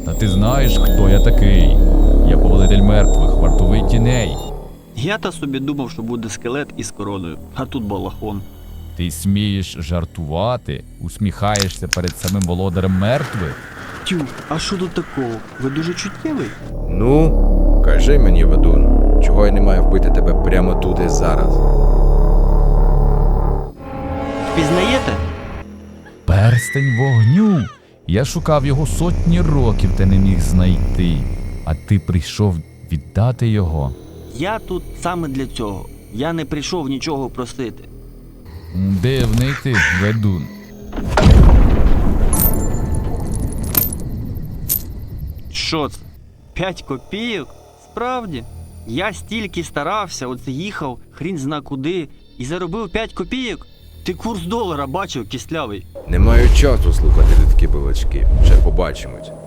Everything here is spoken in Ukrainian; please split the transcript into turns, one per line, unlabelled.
Та ти знаєш, хто я такий? Я повелитель мертвих, вартовий тіней.
Я-то собі думав, що буде скелет із короною, а тут балахон.
Ти смієш жартувати, усміхаєшся перед самим володарем мертвих?
Тю, а що тут такого? Ви дуже чуттєвий?
Ну, кажи мені, ведун, чого я не маю вбити тебе прямо тут і зараз?
Впізнаєте?
Перстень вогню! Я шукав його сотні років та не міг знайти. А ти прийшов віддати його.
Я тут саме для цього. Я не прийшов нічого просити.
Дивний ти, ведун.
Що це? 5 копійок? Справді? Я стільки старався, оце їхав, хрін зна куди, і заробив 5 копійок? Ти курс долара бачив, кислявий.
Не маю часу слухати такі балачки. Ще побачимось.